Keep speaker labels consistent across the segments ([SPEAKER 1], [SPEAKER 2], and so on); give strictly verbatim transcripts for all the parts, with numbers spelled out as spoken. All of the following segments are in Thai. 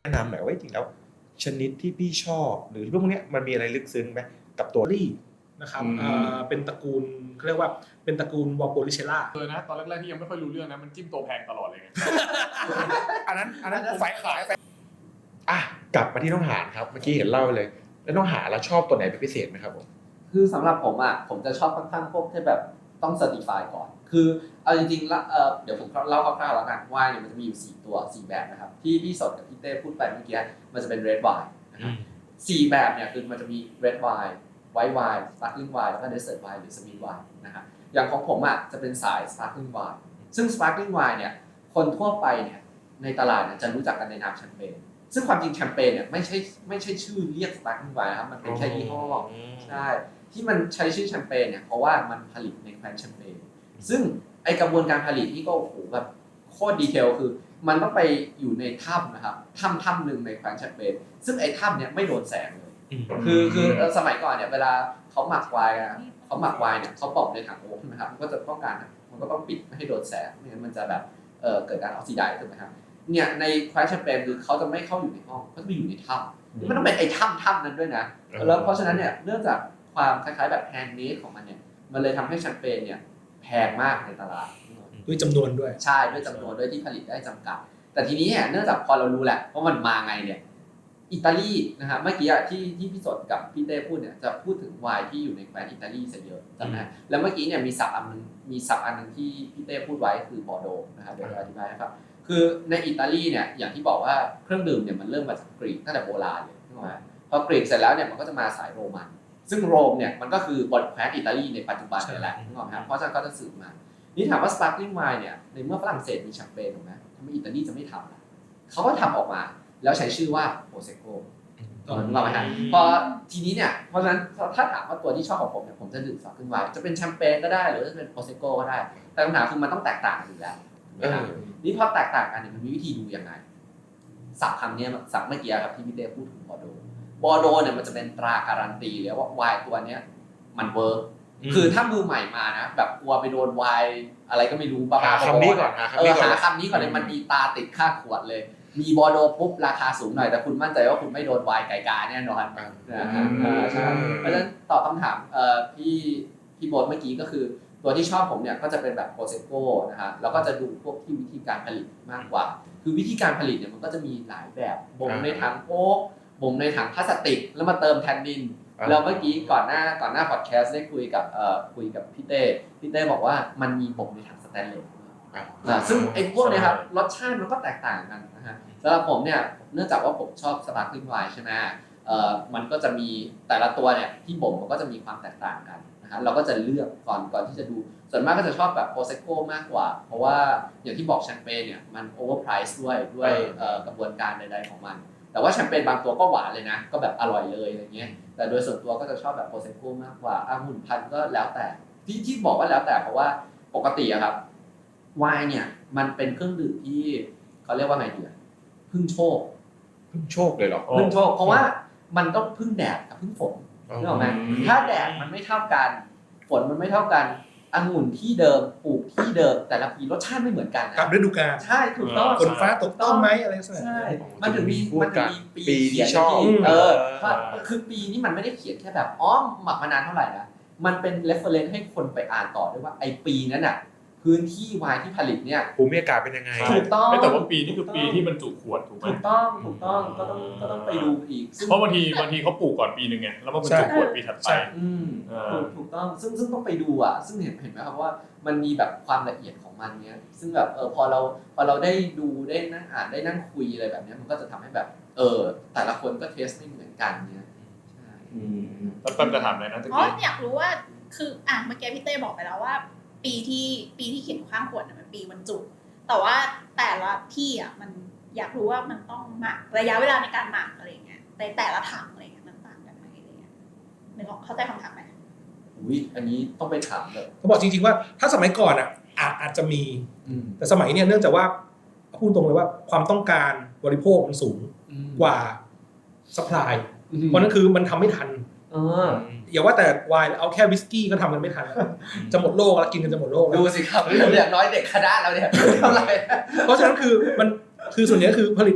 [SPEAKER 1] แนะนำหน่อยว่าจริงแล้วชนิดที่พี่ชอบหรือพวกนี้มันมีอะไรลึกซึ้งไหมกับตัว
[SPEAKER 2] ลี่นะครับเป็นตระกูลเขาเรียกว่าเป็นตระกูลวอลโปลิเชล่า
[SPEAKER 3] เลยนะตอนแรกๆที่ยังไม่ค่อยรู้เรื่องนะมันจิ้มตัวแพงตลอดเลยไง
[SPEAKER 1] อันนั้นอันนั้นฝ่ายขายอ่ะกลับมาที่น้องหานครับเมื่อกี้เห็นเล่าไปเลยแล้วน้องหานเราชอบตัวไหนเป็นพิเศษไหมครับผม
[SPEAKER 4] คือสำหรับผมอ่ะผมจะชอบค่อนข้างพวกที่แบบต้องเซอร์ติฟายก่อนคือเอาจริงๆแล้วเออเดี๋ยวผมเล่าคร่าวๆแล้วกันว่าเนี่ยมันจะมีอยู่สี่ตัวสี่แบบนะครับที่พี่สดกับพี่เต้พูดไปเมื่อกี้มันจะเป็น red wine นะครับสี่แบบเนี่ยคือมันจะมี red wine white wine sparkling wine แล้วก็ desert wine หรือ sweet wine นะครับอย่างของผมอ่ะจะเป็นสาย sparkling wine ซึ่ง sparkling wine เนี่ยคนทั่วไปเนี่ยในตลาดเนี่ยจะรู้จักกันในนามแชมเปญซึ่งความจริงแชมเปญเนี่ยไม่ใช่ไม่ใช่ชื่อเรียก sparkling wine นะครับมันเป็นแค่ยี่ห้อใช่ที่มันใช้ชื่อแชมเปญเนี่ยเพราะว่ามันผลิตในแคว้นแชมเปญซึ่งไอกระบวนการผลิตนี่ก็โอ้โหแบบโคตรดีเทลคือมันต้องไปอยู่ในถ้ำนะครับถ้ำถ้ำหนึ่งในแคว้นแชมเปญซึ่งไอ้ถ้ำเนี่ยไม่โดนแสงเลยคือคือสมัยก่อนเนี่ยเวลาเขาหมักไวน์เขาหมักไวน์เนี่ยเขาปอกในถังโอ๊กนะครับมันก็จะต้องการมันก็ต้องปิดไม่ให้โดนแสงไม่งั้นมันจะแบบเออเกิดการออกซิไดซ์ถูกไหมครับเนี่ยในแคว้นแชมเปญคือเขาจะไม่เข้าอยู่ในห้องเขาจะไปอยู่ในถ้ำมันต้องเป็นไอ้ถ้ำถ้ำนั้นด้วยนะแล้วเพราะฉะนั้นเนี่ยเนื่องจากความคล้ายๆแบบแฮนด์เมดของมันเนี่ยมันเลยทำให้แชมเปญเนี่ยแพงมากในตลาด
[SPEAKER 2] ด้วยจำนวนด้วย
[SPEAKER 4] ใช่ด้วยจำนวนด้วยที่ผลิตได้จำกัดแต่ทีนี้เนี่ยเนื่องจากพอเรารู้แหละว่ามันมาไงเนี่ยอิตาลีนะครับเมื่อกี้ที่ที่พี่สดกับพี่เต้พูดเนี่ยจะพูดถึงไวน์ที่อยู่ในแคว้นอิตาลีซะเยอะจำได้แล้วเมื่อกี้เนี่ยมีศัพท์อันนึงมีศัพท์อันนึงที่พี่เต้พูดไว้คือบอร์โดนะครับเดี๋ยวจะอธิบายให้ฟังคือในอิตาลีเนี่ยอย่างที่บอกว่าเครื่องดื่มเนี่ยมันเริ่มมาจากกรีกตั้งแต่โบราณเลยนะพอกรีกเสร็จแล้วเนี่ยมันก็จะมาสายโรมันซึ่งโรมเนี่ยมันก็คือบทแคว้นอิตาลีในปัจจุบันนี่แหละถูกไหมครับเพราะฉะนั้นก็จะสืบมานี่ถามว่า sparkling wine เนี่ยในเมื่อฝรั่งเศสมีแชมเปญถูกไหมทำไมอิตาลีจะไม่ทำล่ะเขาก็ทำออกมาแล้วใช้ชื่อว่าโปรเซโกถูกไหมฮะพอทีนี้เนี่ยเพราะฉะนั้นถ้าถามว่าตัวที่ชอบของผมเนี่ยผมจะดื่ม sparkling wine จะเป็นแชมเปญก็ได้หรือจะเป็นโปรเซโกก็ได้แต่คำถามคือมันต้องแตกต่างกันอยู่แล้วนี่พอแตกต่างกันเนี่ยมันมีวิธีดูยังไงศัพท์คำนี้ศัพท์เมื่อกี้ครับที่พี่เต้พูดถึงบอร์โดบอร์โดเนี่ยมันจะเป็นตราการันตีเลยว่าไวน์ตัวเนี้ยมันเวิร์กคือถ้ามือใหม่มานะแบบกลัวไปโดนไวน์อะไรก็ไม่รู้บ้า
[SPEAKER 1] หาคำนี้ก่อน
[SPEAKER 4] เออหาคำนี้ก่อนเลยมันมีตาติดข้างขวดเลยมีบอร์โดปุ๊บราคาสูงหน่อยแต่คุณมั่นใจว่าคุณไม่โดนไวน์ไก่กาแน่นอนนะฮะใช่เพราะฉะนั้นตอบคำถามเอ่อพี่พี่โบ๊ทเมื่อกี้ก็คือตัวที่ชอบผมเนี่ยก็จะเป็นแบบโปรเซโก้นะฮะแล้วก็จะดูพวกที่วิธีการผลิตมากกว่าคือวิธีการผลิตเนี่ยมันก็จะมีหลายแบบบ่มในถังโอ๊กบ่มในถังพลาสติกแล้วมาเติมแทนดินแล้วเมื่อกี้ก่อนหน้าก่อนหน้าพอดแคสต์ได้คุยกับเอ่อคุยกับพี่เต้พี่เต้บอกว่ามันมีบ่มในถังสแตนเลสอ่าซึ่งไอ้พวกนี้ครับรสชาติมันก็แตกต่างกันนะฮะสำหรับผมเนี่ยเนื่องจากว่าผมชอบสปาร์คลิ่งไวน์ใช่ไหมเอ่อมันก็จะมีแต่ละตัวเนี่ยที่บ่มมันก็จะมีความแตกต่างกันนะฮะเราก็จะเลือกก่อนก่อนที่จะดูส่วนมากก็จะชอบแบบโปรเซโก้มากกว่าเพราะว่าอย่างที่บอกแชมเปญเนี่ยมันโอเวอร์ไพรซ์ด้วยด้วยกระบวนการใดๆของมันแต่ว่าแชมเปญบางตัวก็หวานเลยนะก็แบบอร่อยเลยอะไรเงี้ยแต่โดยส่วนตัวก็จะชอบแบบโปรเซโก้มากกว่าองุ่นพันธุ์ก็แล้วแต่ที่ที่บอกว่าแล้วแต่เพราะว่าปกติอะครับไวน์เนี่ยมันเป็นเครื่องดื่มที่เขาเรียกว่าไงดีอะพึ่งโชค
[SPEAKER 1] พึ่งโชคเลยเหรอ
[SPEAKER 4] พึ่งโชคเพราะว่ามันต้องพึ่งแดดกับพึ่งฝนนึกออกไหมถ้าแดดมันไม่เท่ากันฝนมันไม่เท่ากันองุ่นที่เดิมปลูกที่เดิมแต่ละปีรสชาติไม่เหมือนกันนะ
[SPEAKER 2] กับฤดูกาล
[SPEAKER 4] ใช่ถูกต้อง
[SPEAKER 2] ฝนฟ้าตกต้องไหมอะไรสักอย่าง
[SPEAKER 4] ใช่มันถึงมีมันถึงมี
[SPEAKER 1] ปีที่ชอบ
[SPEAKER 4] เออคือปีนี้มันไม่ได้เขียนแค่แบบอ๋อหมักมานานเท่าไหร่นะมันเป็น reference ให้คนไปอ่านต่อด้วยว่าไอปีนั้นน่ะพื้นที่ไวน์ที่ผลิตเนี่ย
[SPEAKER 1] ภูมิอากาศเป็นยังไง
[SPEAKER 4] ถูกต้อง
[SPEAKER 3] แต่ว่าปีนี่คือปีที่บรรจุขวดถูกไหม
[SPEAKER 4] ถูกต้องถูกต้องก็ต้องก็ต้องไปดูอีก
[SPEAKER 3] เพราะบางทีบางทีเขาปลูกก่อนปีนึงไงแล้วมาบรรจุขวดปีถัดไป
[SPEAKER 4] อืมถูกต้องซึ่งซึ่งต้องไปดูอ่ะซึ่งเห็นเห็นไหมครับว่ามันมีแบบความละเอียดของมันเนี้ยซึ่งแบบเออพอเราพอเราได้ดูได้นั่งอ่านได้นั่งคุยอะไรแบบนี้มันก็จะทำให้แบบเออแต่ละคนก็เทสไม่เหมือนกันเนี้ยใช่
[SPEAKER 3] แล้วแป๊บจะถามอะไรนะตะกี้
[SPEAKER 5] อ๋ออยากรู้ว่าคืออ่ะเมื่อกี้พี่เต้บอกไปแล้วว่าปีที่ปีที่เขียนข้างขวดมันปีบรรจุแต่ว่าแต่ละที่อ่ะมันอยากรู้ว่ามันต้องหมักระยะเวลาในการหมักอะไรเงี้ยในแต่ละถังอะไรเงี้ยมันต่างกันไหมอะไรเงี้ยนึกออกเข้าใจคำถามไหม
[SPEAKER 4] อุ้ยอันนี้ต้องไปถามเลย
[SPEAKER 2] เขาบอกจริงๆว่าถ้าสมัยก่อนอ่ะอาจจะมีแต่สมัยเนี้ยเนื่องจากว่าพูดตรงเลยว่าความต้องการบริโภคมันสูงกว่าซัพพลายเพราะนั่นคือมันทำไม่ทันอย่าว่าแต่ไวน์เอาแค่วิสกี้ก็ทำกันไม่ทันจะหมดโลกแล้วกินกันจะหมดโลก
[SPEAKER 4] ดูสิครับอย่างน้อยเด็กคณะเราเนี่ยเท่าไหร่
[SPEAKER 2] เพราะฉะนั้นคือมันคือส่วนนี้คือผลิตปุ๊บ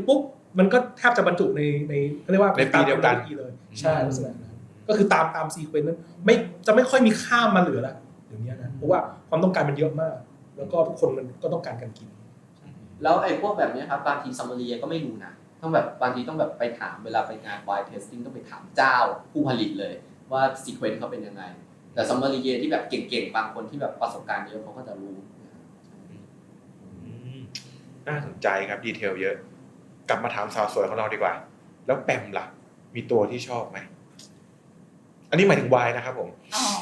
[SPEAKER 2] มันก็แทบจะบรรจุในในเรียกว่า
[SPEAKER 1] ในปีเดียวกัน
[SPEAKER 2] เลยใช่ลักษณะนั้นก็คือตามตามซีเควนต์นั้นไม่จะไม่ค่อยมีข้ามมาเหลือแล้วเดี๋ยวนี้นะเพราะว่าความต้องการมันเยอะมากแล้วก็ทุกคนมันก็ต้องการการกิน
[SPEAKER 4] แล้วไอ้พวกแบบนี้ครับบางทีซัมมารีก็ไม่รู้นะต้องแบบบางทีต้องแบบไปถามเวลาไปงาน wine tasting ต้องไปถามเจ้าผู้ผลิตเลยว่าซีเควนต์เขาเป็นยังไงแต่ซัมมารีที่แบบเก่งๆบางคนที่แบบประสบการณ์เยอะเขาก็จะรู้
[SPEAKER 1] น่าสนใจครับดีเทลเยอะกลับมาถามสาวสวยของเราดีกว่าแล้วแปมล่ะมีตัวที่ชอบไหมอันนี้หมายถึงวายนะครับผม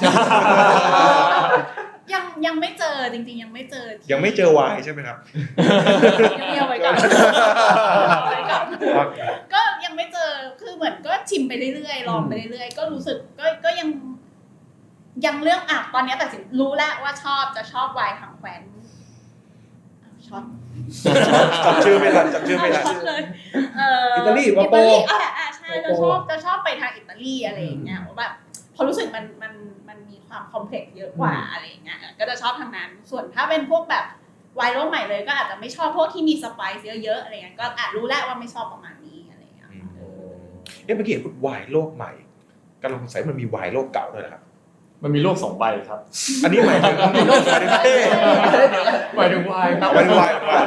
[SPEAKER 5] ยังยังไม่เจอจริงๆยังไม่เจอ
[SPEAKER 1] ยังไม่เจอวายใช่ไหมครับ
[SPEAKER 5] ยังเงียบไว้ก่อนก็ยังไม่เจอคือเหมือนก็ชิมไปเรื่อยๆลองไปเรื่อยๆก็รู้สึกก็ก็ยังยังเรื่องอ่ะตอนนี้แต่สินรู้แล้วว่าชอบจะชอบไวน์ทางแคว้นชอบ
[SPEAKER 1] จำชื่อไม่ทันจำชื่อไม่ทัน
[SPEAKER 2] อิตาลีวาโป
[SPEAKER 5] อ่ะอ่ะใช่จะชอบจะชอบไปทางอิตาลีอะไรอย่างเงี้ยแบบพอรู้สึกมันมันมันมีความคอมเพล็กซ์เยอะกว่าอะไรอย่างเงี้ยก็จะชอบทางนั้นส่วนถ้าเป็นพวกแบบไวน์โลกใหม่เลยก็อาจจะไม่ชอบพวกที่มีสไปซ์เยอะๆอะไรเงี้ยก็อาจรู้แล้วว่าไม่ชอบประมาณนี้อะไรอย่างเงี้ย
[SPEAKER 1] เอ๊ะเมื่อกี้พูดวายโลกใหม่กำลังสงสัยมันมีวายโลกเก่าด้วยนะครับ
[SPEAKER 3] มันมีโลกสองใบครับ
[SPEAKER 1] อันนี้หมายถึงหมายถึงเท่
[SPEAKER 3] หมายถึงวายครับ
[SPEAKER 1] วายวายวาย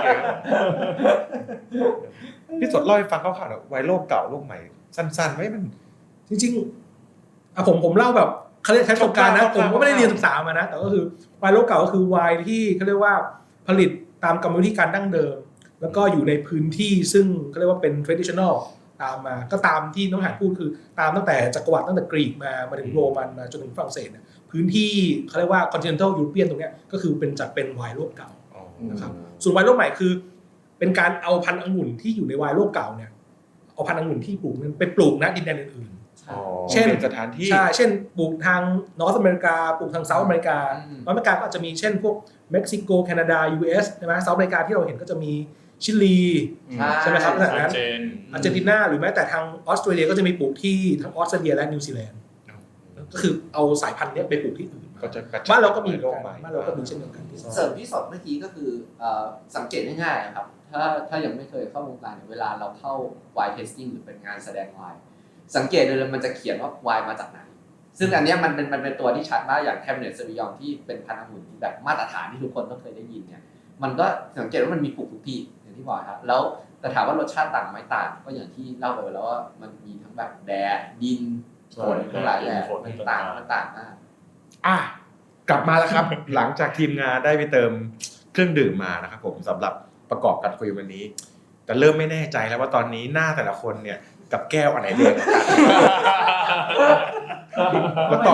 [SPEAKER 1] พี่สดเล่าให้ฟังคร่าวๆหน่อยวายโลกเก่าโลกใหม่สั้นๆไว้มัน
[SPEAKER 2] จริงๆอ่ะผมผมเล่าแบบเขาเรียกใช้ประสบการณ์นะผมก็ไม่ได้เรียนศึกษามานะแต่ก็คือไวน์โลกเก่าก็คือไวน์ที่เขาเรียกว่าผลิตตามกรรมวิธีการดั้งเดิมแล้วก็อยู่ในพื้นที่ซึ่งเขาเรียกว่าเป็น traditional ตามมาก็ตามที่น้องหานพูดคือตามตั้งแต่จักรวรรดิตั้งแต่กรีกมามาถึงโรมันมาจนถึงฝรั่งเศสเนี่ยพื้นที่เขาเรียกว่า continental European ตรงเนี้ยก็คือเป็นจัดเป็นไวน์โลกเก่านะครับส่วนไวน์โลกใหม่คือเป็นการเอาพันธุ์องุ่นที่อยู่ในไวน์โลกเก่าเนี่ยเอาพันธุ์องุ่นที่ปลูกนั้นไปปลูกณดินแดนอื่น
[SPEAKER 1] เช่นสถานที่
[SPEAKER 2] ใช่เช่นปลูกทางนอร์ทอเมริกาปลูกทางเซาท์อเมริกานอร์ทอเมริกาก็อาจจะมีเช่นพวกเม็กซิโกแคนาดา ยู เอส ใช่ไหมเซาท์อเมริกาที่เราเห็นก็จะมีชิลีใช่ไหมครับแบบนั้นอาร์เจนตินาหรือแม้แต่ทางออสเตรเลียก็จะมีปลูกที่ทั้งออสเตรเลียและนิวซีแลนด์ก็คือเอาสายพันธุ์นี้ไปปลูกที่อื่นบ้านเราก็มีบ้านเราก็มีเช่นเดียวกันที่
[SPEAKER 4] เสริมที่สดเมื่อกี้ก็คือสังเกตง่ายๆครับถ้าถ้ายังไม่เคยเข้าวงการเวลาเราเข้า wine tasting หรือเป็นงานแสดงไวน์สังเกตเลยมันจะเขียนว่าไวน์มาจากไหนซึ่งอันนี้มันเป็นมันเป็นตัวที่ชัดมากอย่างแคมเนตเซวิยองที่เป็นพันธุ์องุ่นที่แบบมาตรฐานที่ทุกคนต้องเคยได้ยินเนี่ยมันก็สังเกตว่ามันมีปลูกทุกที่อย่างที่บอกครับแล้วแต่ถามว่ารสชาติต่างไหมต่างก็อย่างที่เล่าไปแล้วว่ามันมีทั้งแบบแดดดินฝนทั้งหลายแหล่มันต่างมันต่างมาก
[SPEAKER 1] อ่ะกลับมาแล้วครับ หลังจากทีมงานได้ไปเติมเครื่องดื่มมานะครับผมสำหรับประกอบการคุยวันนี้แต่เริ่มไม่แน่ใจแล้วว่าตอนนี้หน้าแต่ละคนเนี่ยกับแก้วอันไหนเด็กแล้วต่อ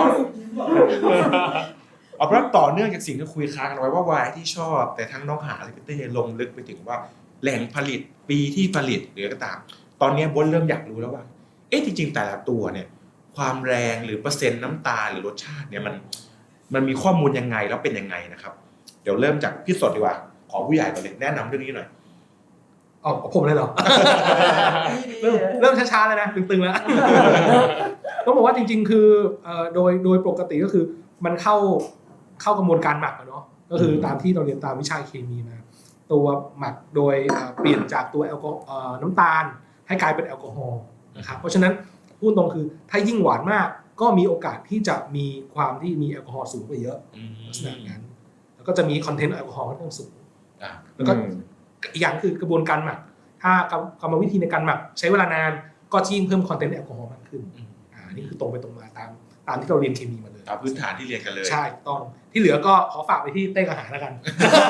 [SPEAKER 1] เอาเพราะต่อเนื่องจากสิ่งที่คุยค้างกันไว้ว่าวายที่ชอบแต่ทั้งน้องหาและพี่เต้ลงลึกไปถึงว่าแหล่งผลิตปีที่ผลิตหรือก็ตามตอนนี้บนเริ่มอยากรู้แล้วว่าเอ๊ะจริงๆแต่ละตัวเนี่ยความแรงหรือเปอร์เซ็นต์น้ำตาลหรือรสชาติเนี่ยมันมันมีข้อมูลยังไงแล้วเป็นยังไงนะครับเดี๋ยวเริ่มจากพี่สดดีกว่าขอผู้ใหญ่ก่อนเลยแนะนำเรื่องนี้หน่อย
[SPEAKER 2] อ๋อผมเลยเหรอ เริ่มเริ่มช้าๆเลยนะตึงๆแล้วต้องบอกว่าจริงๆคือโดยโดยปกติก็คือมันเข้าเข้ากระบวนการหมักเนาะก็คือตามที่เราเรียนตามวิชาเคมีมาตัวหมักโดยเปลี่ยนจากตัวแอลกอฮอล์น้ำตาลให้กลายเป็นแอลกอฮอล์นะครับเพราะฉะนั้นพูดตรงคือถ้ายิ่งหวานมากก็มีโอกาสที่จะมีความที่มีแอลกอฮอล์สูงกว่าเยอะลักษณะนั้นแล้วก็จะมีคอนเทนต์แอลกอฮอล์ค่อนข้างสูงแล้วก็อีกอย่างคือกระบวนการหมักถ้ากรรมวิธีในการหมักใช้เวลานานก็ยิ่งเพิ่มคอนเทนต์แอลกอฮอล์มากขึ้นอ่านี่คือตรงไปตรงมาตามตามที่เราเรียนเคมีมาเลย
[SPEAKER 1] ตามพื้นฐานที่เรียนกันเลย
[SPEAKER 2] ใช่ต้องที่เหลือก็ขอฝากไปที่เต้กระหาแล้วกัน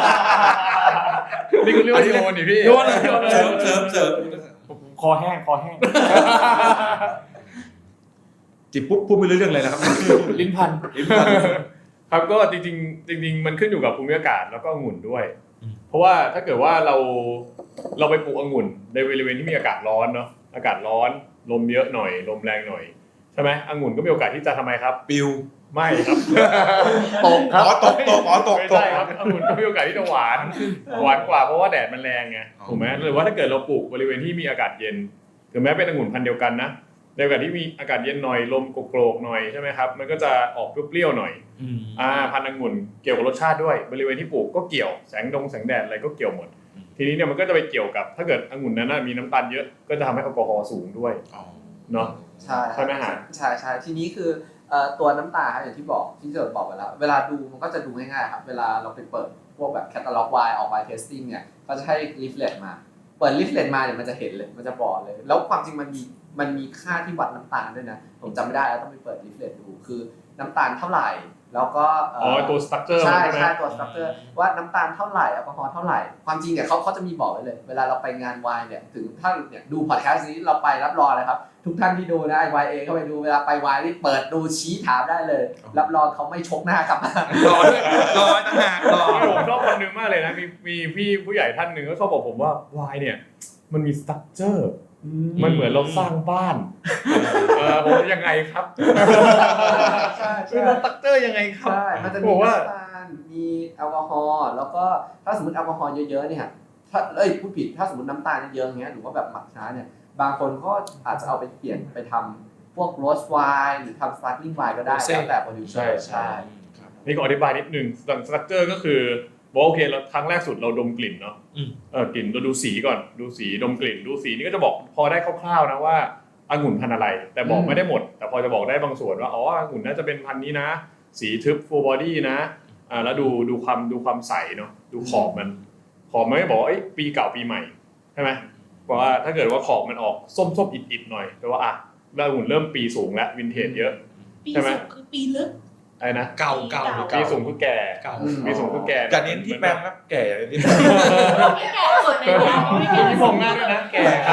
[SPEAKER 3] นี่ก็เรียกว่าโยนดิพี่
[SPEAKER 2] โยนเลย
[SPEAKER 1] เสริมเสริมเสริม
[SPEAKER 3] คอแห้งคอแห้ง
[SPEAKER 1] จิบปุ๊บพูดไม่รู้เรื่องเลยนะครับ
[SPEAKER 3] ลิ้นพันลิ้นพันครับก็จริงๆจริงๆมันขึ้นอยู่กับภูมิอากาศแล้วก็องุ่นด้วยเพราะว่าถ้าเกิดว่าเราเราไปปลูกองุ่นในบริเวณที่มีอากาศร้อนเนาะอากาศร้อนลมเยอะหน่อยลมแรงหน่อยใช่ไหมองุ่นก็มีโอกาสที่จะทำไมครับ
[SPEAKER 1] ปิว
[SPEAKER 3] ไม่ครับ
[SPEAKER 1] ตกครับอ๋อตกตกอ๋อตก
[SPEAKER 3] ไม่ใช่ครับองุ่นก็มีโอกาสที่จะหวานหวานกว่าเพราะว่าแดดมันแรงไงถูกไหมหรือว่าถ้าเกิดเราปลูกบริเวณที่มีอากาศเย็นถึงแม้เป็นองุ่นพันธุ์เดียวกันนะในอากาศที่มีอากาศเย็นหน่อยลมโกรกๆหน่อยใช่ไหมครับมันก็จะออกเปรี้ยวๆหน่อยอ่าพันธุ์องุ่นเกี่ยวกับรสชาติด้วยบริเวณที่ปลูกก็เกี่ยวแสงดงแสงแดดอะไรก็เกี่ยวหมดทีนี้เนี่ยมันก็จะไปเกี่ยวกับถ้าเกิดองุ่นนั้นมีน้ำตาลเยอะก็จะทำให้แอลกอฮอล์สูงด้วยเนาะ
[SPEAKER 4] ใช่
[SPEAKER 3] ใช่ไหมฮะ
[SPEAKER 4] ใช่ใช่ทีนี้คือเอ่อตัวน้ำตาลครับอย่างที่บอกที่เจิดบอกไปแล้วเวลาดูมันก็จะดูง่ายๆครับเวลาเราไปเปิดพวกแบบแคตตาล็อกไวน์ออกไวน์เทสติ้งเนี่ยก็จะให้ลิฟเลตมาเปิดลิฟเลตมาเนี่ยมันจะเห็นเลยมันจะบอกเลยแล้วความจริงมันมีมันมีค่าที่วัดน้ำตาลด้วยนะผมจำไม่ได้แล้วต้องไปเปิดลิฟเลตดูคือน้ำตาลเท่าไหร่แล้วก็เ
[SPEAKER 3] อ๋อตัวสตรัคเจอร์
[SPEAKER 4] ใช่
[SPEAKER 3] ใช่ไหม
[SPEAKER 4] ใช่ตัวสตรัคเจอร์ว่าน้ำตาลเท่าไหร่แอลกอฮอล์เท่าไหร่ความจริงเนี่ยเขาเขาจะมีบอกไว้เลย เวลาเราไปงานไวน์เนี่ยถึงถ้าเนี่ยดูพอดแคสต์นี้เราไปรับรองเลยครับทุกท่านที่ดูนะไอวายเอเข้าไปดูเวลาไปไวน์นี่เปิดดูชี้ถามได้เลย รับรองเขาไม่ชกหน้ากลับมาร
[SPEAKER 2] อด้วยรอตั้งหากรอ
[SPEAKER 3] ที่ผมชอบคนหนึงมากเลยนะมีมีพี่ผู้ใหญ่ท่านหนึ่งก็ชอบบอกผมว่าวายเนี่ยมันมีสตรัคเจอร์มันเหมือนเราสร้างบ้านเออผมยังไงครับ
[SPEAKER 4] ใช่
[SPEAKER 3] คือ
[SPEAKER 4] ใช่
[SPEAKER 3] เราสตรัคเจอร์ยังไงครับ
[SPEAKER 4] ใช่มันจะมี
[SPEAKER 3] บอกว่า
[SPEAKER 4] น้ำตาลมีแอลกอฮอล์แล้วก็ถ้าสมมติแอลกอฮอล์เยอะๆเนี่ยถ้าเอ้ยพูดผิดถ้าสมมติน้ำตาลเยอะๆอย่างเงี้ยหรือว่าแบบหมักช้าเนี่ยบางคนก็อาจจะเอาไปเปลี่ยนไปทำพวกโรสไวน์หรือทำสปาร์คลิ่งไวน์ก็ได้แล้วแต่โปรดิวเซอร์ใช่
[SPEAKER 3] นี่ก็อธิบายนิดนึงสตรัคเจอร์ก็คือบอกโอเคเราครั้งแรกสุดเราดมกลิ่นเนาะเออกลิ่นเราดูสีก่อนดูสีดมกลิ่นดูสีนี่ก็จะบอกพอได้คร่าวๆนะว่าองุ่นพันธุ์อะไรแต่บอกไม่ได้หมดแต่พอจะบอกได้บางส่วนว่าอ๋อองุ่นน่าจะเป็นพันธุ์นี้นะสีทึบฟูลบอดี้นะอ่าแล้วดูดูความดูความใสเนาะดูขอบมันขอบมันไม่บอกว่าเอ้ยปีเก่าปีใหม่ใช่ไหมเพราะว่าถ้าเกิดว่าขอบมันออกส้มๆอิดๆหน่อยแปลว่าอ่ะแล้วองุ่นเริ่มปีสูงแล้ววินเทจเยอะ
[SPEAKER 5] ปี
[SPEAKER 3] ใช่ไหม
[SPEAKER 5] สูงคือปีลึก
[SPEAKER 3] อะไรนะ
[SPEAKER 2] เก่าเก่าหรือ
[SPEAKER 3] ปี
[SPEAKER 2] เก่า
[SPEAKER 3] สูงคือแก่
[SPEAKER 2] เก่า
[SPEAKER 3] ปีสูงคือแก่
[SPEAKER 1] อย่าเน้นที่แปมครับแก่อย่างนี้
[SPEAKER 5] ไม่แก่สุดในร้านไม่แก่
[SPEAKER 3] มีผมหน้าด้วยนะแก่ครับ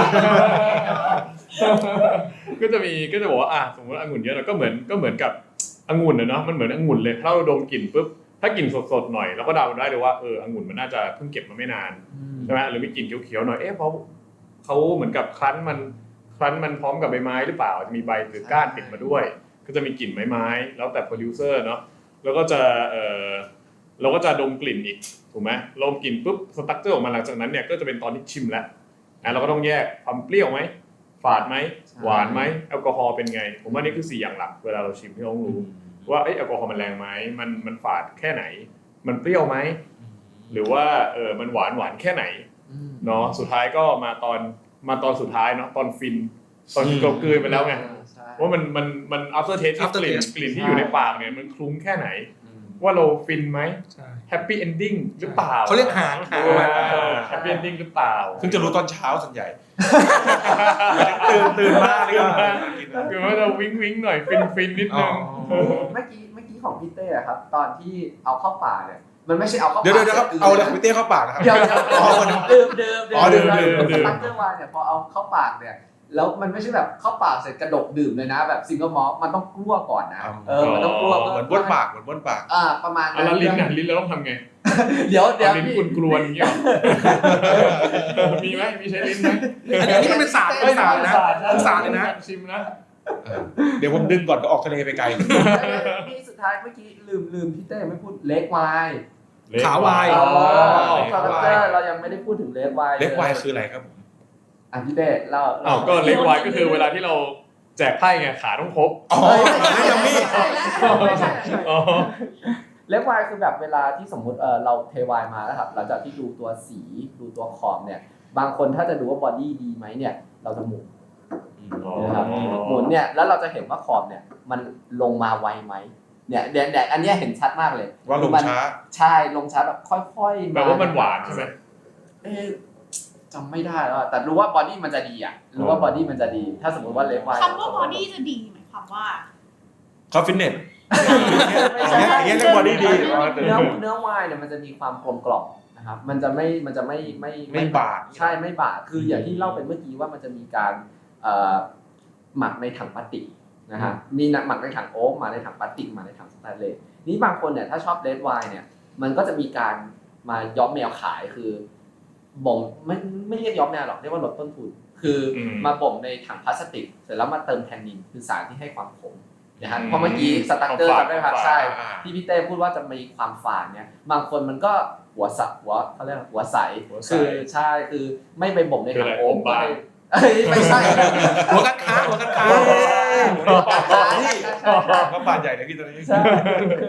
[SPEAKER 3] ก็จะมีก็จะบอกว่าอ่ะสมมติองุ่นเยอะเราก็เหมือนก็เหมือนกับองุ่นนะเนาะมันเหมือนองุ่นเลยถ้าเราดมกลิ่นปุ๊บถ้ากลิ่นสดๆหน่อยเราก็เดาได้เลยว่าเออองุ่นมันน่าจะเพิ่งเก็บมาไม่นานใช่ไหมหรือมีกลิ่นเขียวๆหน่อยเอ๊ะเพราะเขาเหมือนกับคลั้นมันคลั้นมันพร้อมกับใบไม้หรือเปล่าจะมีใบหรือก้านติดมาด้วยก็จะมีกลิ่นไม้ๆแล้วแต่โปรดิวเซอร์เนาะแล้วก็จะเออเราก็จะดมกลิ่นอีกถูกไหมดมกลิ่นปุ๊บสตรัคเจอร์ออกมาหลังจากนั้นเนี่ยก็จะเป็นตอนที่ชิมแล้วนะเราก็ต้องแยกความเปรี้ยวไหมฝาดไหมหวานไหมแอลกอฮอล์เป็นไงผมว่านี่คือสี่อย่างหลักเวลาเราชิมที่ต้องรู้ว่าเอ้ยแอลกอฮอล์มันแรงไหมมันมันฝาดแค่ไหนมันเปรี้ยวไหมหรือว่าเออมันหวานหวานแค่ไหนเนาะสุดท้ายก็มาตอนมาตอนสุดท้ายเนาะตอนฟินตอนที่เรากลืนไปแล้วไงว่ามันมันมัน after taste ที่กลิ่นกลิ่นที่อยู่ในปากเนี่ยมันคลุ้งแค่ไหนว่าเราฟินไหม happy ending หรือเปล่า
[SPEAKER 2] เขาเรียกหางหางมา
[SPEAKER 3] แฮปปี้เอนดิ้งหรือเปล่า
[SPEAKER 1] ซึ่งจะรู้ตอนเช้าส่วนใหญ่ ตื่นตื่นมากเลยอ่ะ
[SPEAKER 3] คือว่าจะวิ้งวิ้งหน่อยฟินฟินนิดนึง
[SPEAKER 4] เมื่อกี้เมื่อกี้ของพี่เต้อะครับตอนที่เอาเข้าปากเนี่ยมันไม่ใช่เอาเข้าปาก
[SPEAKER 1] เดี๋ยวเดี๋ยวครับเอาเลยคุณเต้เข้าปากนะครับ
[SPEAKER 4] เดี๋ยวเดี๋ยวดื่มดื่ม
[SPEAKER 1] อ๋อดื่มดื่ม
[SPEAKER 4] สตาร์เตอร์ไวน์เนี่ยพอเอาเข้าปากเนี่ยแล้วมันไม่ใช่แบบเข้าปากเสร็จกระดกดื่มเลยนะแบบซิงเกิลมอลต์มันต้องกลั้วก่อนนะเออมันต้องกลั้ว
[SPEAKER 1] เหมือนบ้วนปากเหมือนบ้วนปาก
[SPEAKER 4] อ่าประมาณ
[SPEAKER 3] อ่ะ
[SPEAKER 4] นั้
[SPEAKER 3] แล้ว
[SPEAKER 4] น
[SPEAKER 3] ลิ้นอ่ะลิ้นเราต้องทำไง
[SPEAKER 4] เดี๋ยวเดี๋ยว
[SPEAKER 3] ลิ้น
[SPEAKER 4] พี่
[SPEAKER 3] กุนกลวนอย่างเงี้ยหรอมีไหมมีใช้ลิ้นไหม
[SPEAKER 2] อันนี้มันเป็นศาสตร์เป็นศาสตร์นะเป็นศาสตร์เลยนะ
[SPEAKER 3] ชิมนะ
[SPEAKER 1] เดี๋ยวผมดึงก่อนก็ออกทะเลไปไกล
[SPEAKER 4] พี่สุดท้ายเมื่อกี้ลืมลืมพี่เต้ไม่พูดเล็กไวน์
[SPEAKER 2] ขาวาย
[SPEAKER 4] อ๋อ
[SPEAKER 1] เล็ก
[SPEAKER 4] คา
[SPEAKER 1] ไวน์
[SPEAKER 4] แรคเตอร์เรายังไม่ได้พูดถึงเล็กไวน์
[SPEAKER 1] เล็กไวน์คืออะไรครับผม
[SPEAKER 4] อ่ะพี่เต้เล่า
[SPEAKER 3] อ้าวก็เล็กไวน์ก็คือเวลาที่เราแจกไพ่ไงขาต้องครบ
[SPEAKER 1] อ๋อ
[SPEAKER 4] ไม่
[SPEAKER 1] ยังไม่
[SPEAKER 4] ใช่แล้วไม่ใช่
[SPEAKER 3] อ๋อ
[SPEAKER 4] เล็กไวน์คือแบบเวลาที่สมมุติเออเราเทไวน์มาแล้วครับหลังจากที่ดูตัวสีดูตัวขอบเนี่ยบางคนถ้าจะดูว่าบอดี้ดีไหมเนี่ยเราจะหมุนนะครับหมุนเนี่ยแล้วเราจะเห็นว่าขอบเนี่ยมันลงมาไวไหมเนี่ยแดดอันนี้เห็นชัดมากเลย
[SPEAKER 1] ว่าลงช้า
[SPEAKER 4] ใช่ลงช้าแบบค่อยๆ
[SPEAKER 3] แปลว่ามันหวานใช่ไหม
[SPEAKER 4] เอ๊ะจำไม่ได้แล้วอะแต่รู้ว่าบอดี้มันจะดีอ่ะรู้ว่าบอดี้มันจะดี ถ้าสมมติว่าเล็กไวน์
[SPEAKER 5] คำว่าบอดี้จะดีหมายความว่า
[SPEAKER 1] เขาฟิตเนส
[SPEAKER 4] ไม่ใช่
[SPEAKER 1] อย่างเงี้ยเรียกบอดี้ดี
[SPEAKER 4] เนื้อเนื้อไวน์เนี่ยมันจะมีความกลมกล่อมนะครับมันจะไม่มันจะไม่ไม่
[SPEAKER 1] ไม่บาด
[SPEAKER 4] ใช่ไม่บาดคืออย่างที่เล่าไปเมื่อกี้ว่ามันจะมีการเอ่อหมักในถังพลาสติกนะฮะมีหมักในถังโอ๊กมาในถังพลาสติกมาในถังสแตนเลสนี้บางคนเนี่ยถ้าชอบเรดไวน์เนี่ยมันก็จะมีการมาย้อมแมวขายคือบ่มไม่ไม่เรียกย้อมแมวหรอกเรียกว่าลดต้นทุนคือมาบ่มในถังพลาสติกเสร็จแล้วมาเติมแทนนินคือสารที่ให้ความขมนะฮะเพราะเมื่อกี้สตั๊กเกอร์จำได้ไหมครับใช่ที่พี่เต้พูดว่าจะมีความฝาดเนี่ยบางคนมันก็หัวสับหัวเขาเรียกหัวใสคือใช่คือไม่ไปบ่มในถังโอ๊กไม่ไม่ใช่
[SPEAKER 2] หัวกันค้าหัวกันค้า
[SPEAKER 1] ก็บาดใหญ่เลยพี่ตอนนี้
[SPEAKER 4] ใช่คือค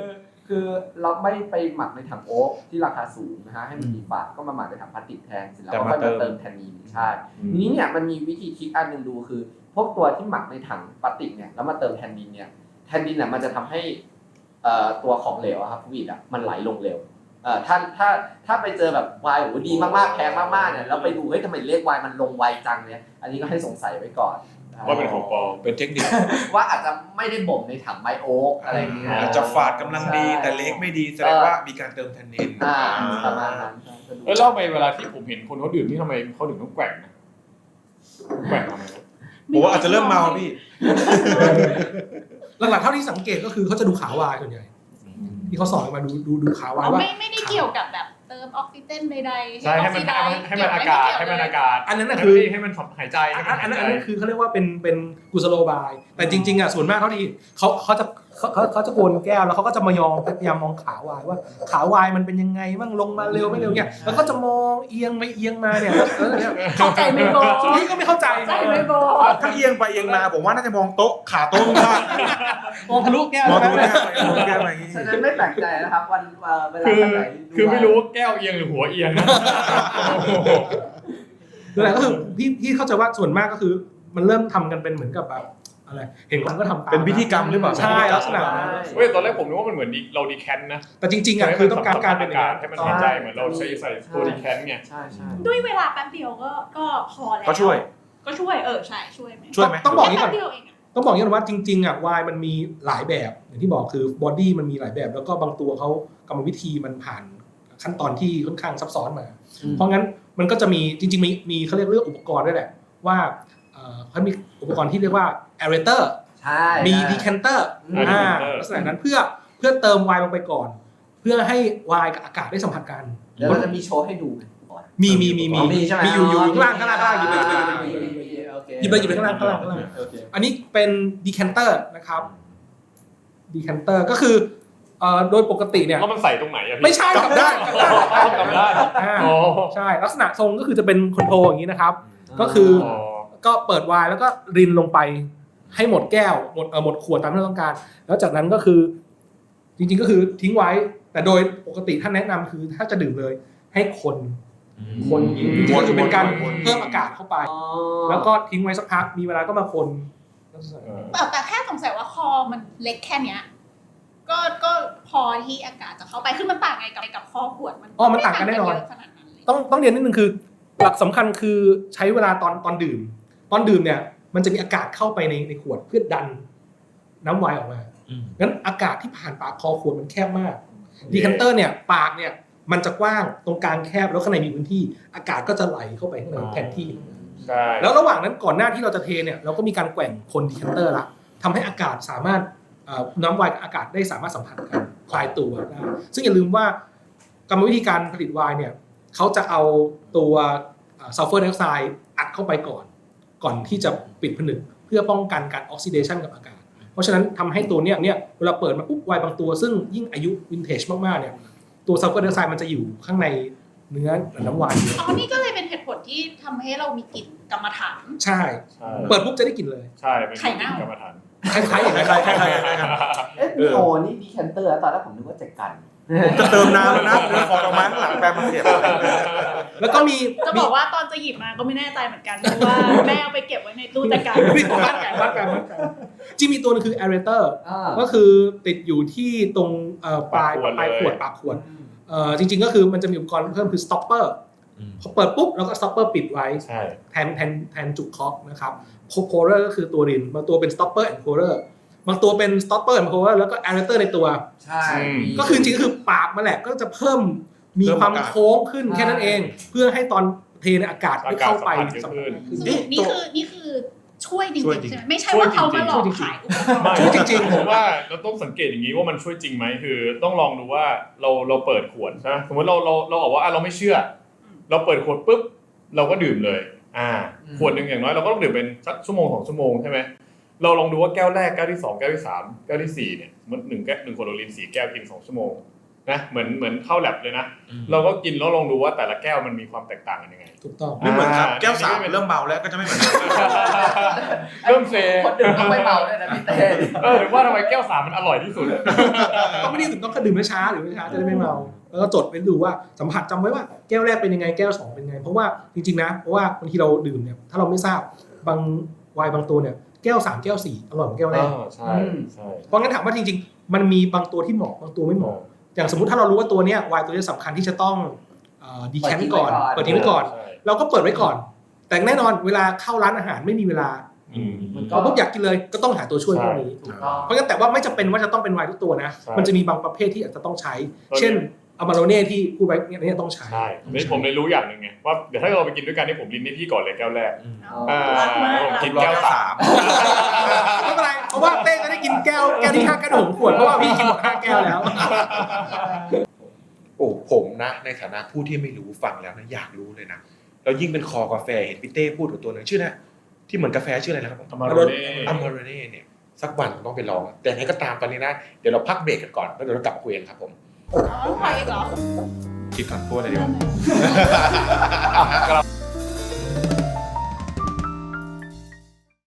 [SPEAKER 4] คือเราไม่ไปหมักในถังโอ๊กที่ราคาสูงนะฮะให้มันมีฝาดก็มาหมักในถังพลาสติกแทนเสร็จแล้วก็ค่อยมาเติมแทนนีนใช่ทีนี้เนี่ยมันมีวิธีคิดอันหนึ่งดูคือพวกตัวที่หมักในถังพลาสติกเนี่ยแล้วมาเติมแทนนีนเนี่ยแทนนีนเนี่ยมันจะทำให้ตัวของเหลวครับฟลูอิดอ่ะมันไหลลงเร็วเอ่อถ้าถ้าถ้าไปเจอแบบไวน์โอ้ดีมากๆแพงมากๆเนี่ยแล้วไปดูเฮ้ยทำไมเลขไวน์มันลงไวจังเนี่ยอันนี้ก็ให้สงสัยไว้ก่อน
[SPEAKER 3] ว่าเป็นของปลอม
[SPEAKER 1] เป็นเทคนิค
[SPEAKER 4] ว่าอาจจะไม่ได้บ่มในถังไม้โอ๊กอะไรอย่างเงี้ย
[SPEAKER 1] อาจจะฝาดกำลังดีแต่เล็กไม่ดีแสดงว่ามีการเติมแทนนิน
[SPEAKER 4] อ่าประมาณนั้น
[SPEAKER 3] เออเล่าไปเวลาที่ผมเห็นคนเขาดื่มที่ทำไมเขาถึงต้องแกว่งนะแกว่งทำไม
[SPEAKER 1] ผมว่าอาจจะเริ่มเมาพี่
[SPEAKER 2] หลักๆเท่าที่สังเกตก็คือเขาจะดูขาวายส่วนใหญ่ที่เขาสอนมาดูดูดูขาวายว่า
[SPEAKER 5] ไม่ไม่ได้เกี่ยวกับแบบเติมออกซิเจนใดๆ
[SPEAKER 3] ใช่ให้มันให้มันอากาศให้มันอากาศ
[SPEAKER 2] อันนั้นคือ
[SPEAKER 3] ให้มันหายใจ
[SPEAKER 2] อันนั้นอันนั้นคือเขาเรียกว่าเป็นเป็นกุศโลบายแต่จริงๆอ่ะส่วนมากเท่าที่เขาเขาจะเขาเขาเขาจะโกนแก้วแล้วเขาก็จะมายองพยายามมองขาวายว่าขาวายมันเป็นยังไงบ้างลงมาเร็วไม่เร็วเนี่ยแล้วก็จะมองเอียงไม่เอียงมาเนี่ยแล้วเนี่ย
[SPEAKER 5] เข้าใจไม่พอ
[SPEAKER 2] นี่ก็ไม่เข้าใจ
[SPEAKER 5] เข้าใจไม่พอ
[SPEAKER 1] ถ้าเอียงไปเอียงมาผมว่าน่าจะมองโต๊ะขาโต๊ะมาก
[SPEAKER 2] มองทะลุแก้ว
[SPEAKER 1] มองทะลุแก้วไปมองแก้วไปอย่างนี้
[SPEAKER 4] ฉะนั้นไม่แปลกใจนะครับวันเวลา
[SPEAKER 3] คือ
[SPEAKER 4] ไหน
[SPEAKER 3] คือไม่รู้ว่าแก้วเอียงหรือหัวเอียงนะ
[SPEAKER 2] นั่นแหละก็คือพี่พี่เข้าใจว่าส่วนมากก็คือมันเริ่มทำกันเป็นเหมือนกับแบบอะไรเห็นคนก็ทำตาม
[SPEAKER 1] เป็นพิธีกรรมหรือเปล่า
[SPEAKER 2] ใช่ลักษณะนั้น
[SPEAKER 3] เว้ยตอนแรกผมนึกว่ามันเหมือนเราดีแคนนะ
[SPEAKER 2] แต่จริงๆอ่ะคือต้องการการเป็น
[SPEAKER 3] อากาศให้มันหายใจเหมือนเราใช้ใส่ตัวดีแคนไง
[SPEAKER 4] ใช่ใช่
[SPEAKER 5] ด้วยเวลาแป๊บเดียวก็ก็พอแล้ว
[SPEAKER 1] ก็ช่วย
[SPEAKER 5] ก็ช่วยเออใช่ช่วยไหม
[SPEAKER 1] ช่วยไหม
[SPEAKER 2] ต้องบอกนี้ก่
[SPEAKER 5] แป๊
[SPEAKER 2] อน
[SPEAKER 5] บเดียวเองอะ
[SPEAKER 2] ต้องบอกอย่างนี้ว่าจริงๆอ่ะวายมันมีหลายแบบอย่างที่บอกคือบอดี้มันมีหลายแบบ แล้วก็บางตัวเขากรรมวิธีมันผ่านขั้นตอนที่ค่อนข้างซับซ้อนมา เพราะงั้นมันก็จะมีจริงๆมีมีเขาเรียกเรื่องอุปกรณ์ด้วยแหละว่าเขามีอุปกรณ์ที่เรียกว่า aerator
[SPEAKER 4] ใช่
[SPEAKER 2] มี decanter อ่าลักษณะนั้นเพื่อเพื่อเติมไวน์ลงไปก่อน เพื่อให้ไวน์กับอากาศได้สัมผัสกัน
[SPEAKER 4] เดี๋ยวเราจะมีโชว์ให้ดู
[SPEAKER 2] มีมีมีมี
[SPEAKER 4] มีใช่ไหม
[SPEAKER 2] มีอยู่อยู่ข้างล่างข้างล่างข้างล่างหยิบไปหยิบไปหยิบไปหยิบไปข้างล่างข้างล่างข้างล่าง อันนี้เป็น decanter นะครับ decanter ก็คือเอ่อโดยปกติเนี่ย
[SPEAKER 3] แล้วมันใส่ตรงไหนอะพี่
[SPEAKER 2] ไม่ใช่กลับด้านกลับด้าน
[SPEAKER 3] กลับด้าน
[SPEAKER 2] อ่า
[SPEAKER 3] อ๋อ
[SPEAKER 2] ใช่ลักษณะทรงก็คือจะเป็นคอนโทรลอย่างนี้นะครับ ก็คือ
[SPEAKER 3] อ๋อ
[SPEAKER 2] ก็เปิดไวน์แล้วก็รินลงไปให้หมดแก้วหมดเออหมดขวดตามที่เราต้องการ แล้วจากนั้นก็คือจริงๆก็คือทิ้งไว้แต่โดยปกติท่านแนะนำคือถ้าจะดื่มเลยให้คนคนจริงๆก็คือเป็นการเพิ่มอากาศเข้าไป แล้วก็ทิ้งไว้สักพักมีเวลาก็มาคน
[SPEAKER 3] เออ
[SPEAKER 5] แต่แต่แค่สงสัยว่าคอมันเล็กแค่เนี้ยก็ก็พอที่อากาศจะเข้าไปคือมันต่างไงกับกับคอขวดมัน
[SPEAKER 2] อ๋อมันต่างกันแน่นอน
[SPEAKER 5] ไม่ต่างกัเยะขนาดนั้นเลย
[SPEAKER 2] ต้องต้องเรียนนิดนึงคือหลักสำคัญคือใช้เวลาตอนตอนดื่ม ตอนดื่มเนี่ยมันจะมีอากาศเข้าไปในในขวดเพื่อดันน้ำไวน์ออกมางั้นอากาศที่ผ่านปากคอขวดมันแคบมากดีคันเตอร์เนี่ยปากเนี่ยมันจะกว้างตรงกลางแคบแล้วข้างในมีพื้นที่อากาศก็จะไหลเข้าไปข้างในแทนที่
[SPEAKER 3] ใช่
[SPEAKER 2] แล้วระหว่างนั้นก่อนหน้าที่เราจะเทเนี่ยเราก็มีการแกว่งคนดีคันเตอร์ละทำให้อากาศสามารถเอ่อน้ำไวน์กับอากาศได้สามารถสัมผัสกันคลายตัวได้ซึ่งอย่าลืมว่ากรรมวิธีการผลิตไวน์เนี่ยเขาจะเอาตัวซัลเฟอร์ไดออกไซด์อัดเข้าไปก่อนก่อนที่จะปิดผนึกเพื่อป้องกันการออกซิเดชันกับอากาศเพราะฉะนั้นทำให้ตัวเนี้ยเนี่ยเวลาเปิดมาปุ๊บไวน์บางตัวซึ่งยิ่งอายุวินเทจมากๆเนี่ยตัวซัลเฟอร์ไดออกไซด์มันจะอยู่ข้างในเนื้อน้ำไวน์
[SPEAKER 5] อ๋อนี่ก็เลยเป็นเหตุผลที่ทำให้เรามีกลิ่นกรรมฐาน
[SPEAKER 2] ใช่
[SPEAKER 3] ใช่
[SPEAKER 2] เปิดปุ๊บจะได้กลิ่นเลย
[SPEAKER 3] ใช่เป็น
[SPEAKER 5] ไข่เน่า
[SPEAKER 3] กรรมฐาน
[SPEAKER 2] คล้ายๆอย่างนั้น
[SPEAKER 1] คล้ายๆคล้ายๆคล้ายๆครับ
[SPEAKER 4] เอ๊ะมีโอนี่ดีแคนเตอร์ตอนแรกผมนึกว่าแจกัน
[SPEAKER 1] จะเติมน้ำแล้วนะเดินฟองออกมาข้างหลังแปลมาเก็บ
[SPEAKER 2] แล้วก็มี
[SPEAKER 5] จะบอกว่าตอนจะหยิบมาก็ไม่แน่ใจเหมือนกันเพราะว่าแม่เอาไปเก็บไว้ในตู้จัดการ
[SPEAKER 2] มีวัดกันวัดกันวัดกันจริงมีตัวนึงคือ aerator
[SPEAKER 4] อ่า
[SPEAKER 2] ก็คือติดอยู่ที่ตรงเอ่อปลาย
[SPEAKER 3] ปากขวด
[SPEAKER 2] ปลาย
[SPEAKER 3] เลย
[SPEAKER 2] ขวดปากขวดเอ่อจริงๆก็คือมันจะมีอุปกรณ์เพิ่มคือ stopper พอเปิดปุ๊บแล้วก็ stopper ปิดไว้
[SPEAKER 3] ใช่
[SPEAKER 2] แทนแทนแทนจุกคอกนะครับ pourer ก็คือตัวรินบางตัวเป็น stopper and pourer บางตัวเป็น stopper and pourer แล้วก็ aerator ในตัว
[SPEAKER 4] ใช่
[SPEAKER 2] ก็คือจริงๆก็คือปากมันแหละก็จะเพิ่มมีความโค้งขึ้นแค่นั้นเอง เพื่อให้ตอนเทในอากาศไม่เข้าไป
[SPEAKER 3] อากาศสัมผัสเยอะขึ้น
[SPEAKER 5] สรุปนี่คือนี่คือช่วยจริง
[SPEAKER 1] ช่วย
[SPEAKER 5] ๆ
[SPEAKER 1] จริง
[SPEAKER 5] ใช่ไหมไม่ใช่ว่าเขามาหลอกขายอุปกรณ์
[SPEAKER 3] ไม่
[SPEAKER 2] จริงๆ
[SPEAKER 3] ผมว่าเราต้องสังเกตอย่างนี้ว่ามันช่วยจริงไหมคือต้องลองดูว่าเราเราเปิดขวดใช่ไหมสมมติเราเราเราบอกว่าอ่ะเราไม่เชื่อ เราเปิดขวดปุ๊บเราก็ดื่มเลยอ่าขวดหนึ่งอย่างน้อยเราก็ต้องดื่มเป็นสักชั่วโมงสองชั่วโมงใช่ไหมเราลองดูว่าแก้วแรกแก้วที่สองแก้วที่สามแก้วที่สี่เนี่ยสมมติหนึ่งแก้วหนึ่งขวดโอลินสี่แก้วกินสองชั่วโมงนะเหมือนเหมือนเข้าแลบเลยนะเราก็กินแล้วลองดูว่าแต่ละแก้วมันมีความแตกต่างกันยังไง
[SPEAKER 2] ถูกต้อง
[SPEAKER 1] ไม่เหมือนครับ
[SPEAKER 3] อ่า
[SPEAKER 1] แก้วสามเริ่มเมาแล้วก็จะไม่เหมือนกัน
[SPEAKER 5] อ
[SPEAKER 3] เริ่มเซ
[SPEAKER 4] คนดื่มต้องไม่เมาด้วยนะพี่เต้
[SPEAKER 3] เออถึงว่าทำไมแก้วสามมันอร่อยที่สุด
[SPEAKER 2] ก็ไม่ได้ถึงต้องดื่มช้าหรือไม่ช้าจะได้ไม่เมาแล้วก็จดไปดูว่าสัมผัสจำไว้ว่าแก้วแรกเป็นยังไงแก้วสองเป็นยังไงเพราะว่าจริงๆนะเพราะว่าบางทีเราดื่มเนี่ยถ้าเราไม่ทราบบางไวน์บางตัวเนี่ยแก้วสามแก้วสี่อร่อยกว่าแก้วแรก
[SPEAKER 3] ใช่ใช่
[SPEAKER 2] เพราะงั้นถามว่าจริงๆมันมีบางตัวที่เหมาะบางตัวไม่เหมาะอย่างสมมติถ้าเรารู้ว่าตัวเนี้ยไวน์ตัวนี้สำคัญที่จะต้องดีแคมป์ก่อนเปิดทิ้งไว้ก่อนเราก็เปิดไว้ก่อน แต่แน่นอนเวลาเข้าร้านอาหารไม่มีเวลา
[SPEAKER 3] อืม
[SPEAKER 2] เราปุ๊บอยากกินเลยก็ต้องหาตัวช่วย
[SPEAKER 3] ใช่
[SPEAKER 2] พวกนี้
[SPEAKER 4] ถูกต้อง
[SPEAKER 2] เพราะงั้นแต่ว่าไม่จำเป็นว่าจะต้องเป็นไวน์ทุกตัวนะ
[SPEAKER 3] ใช่
[SPEAKER 2] มันจะมีบางประเภทที่อาจจะต้องใช้
[SPEAKER 3] ตอนนี้
[SPEAKER 2] เช่นอามาโรเน่ที่พูดไว้เนี่ยต้องใช้
[SPEAKER 3] ใช่นี่ผมเลยรู้อย่างหนึ่งไงว่าเดี๋ยวถ้าเราไปกินด้วยกันนี่ผมลินให้พี่ก่อนเลยแก้วแรก อ่า
[SPEAKER 5] รักมาก
[SPEAKER 3] ผมกิน
[SPEAKER 1] รอ
[SPEAKER 3] แก้ว
[SPEAKER 1] แก้ว
[SPEAKER 3] สา
[SPEAKER 1] สาม ม
[SPEAKER 2] ไม่เป็นไรเพราะว่าเต้จะได้กินแก้วแก้วที่ห้าแก้วหกขวดเพราะว่าพี่กินหมดห้าแก้วแล้ว
[SPEAKER 1] โอ้ผมนะในฐานะผู้ที่ไม่รู้ฟังแล้วนะอยากรู้เลยนะแล้วยิ่งเป็นคอกาแฟเห็นพี่เต้พูดถึงตัวหนึงชื่อนะที่เหมือนกาแฟชื่ออะไรนะครับ
[SPEAKER 3] อมาโรเน่
[SPEAKER 1] อัมมาโรเน่เนี่ยสักวันผมต้องไปลอง แต่ไหนก็ตามตอนนี้นะเดี๋ยวเราพักเบรกกันก่อนแล้วเดี๋ยวเรากลับมาคุยกันครับผม
[SPEAKER 5] อ๋อไปอีกเหรอ
[SPEAKER 1] คิดก่อนพูดอะไรดีวะ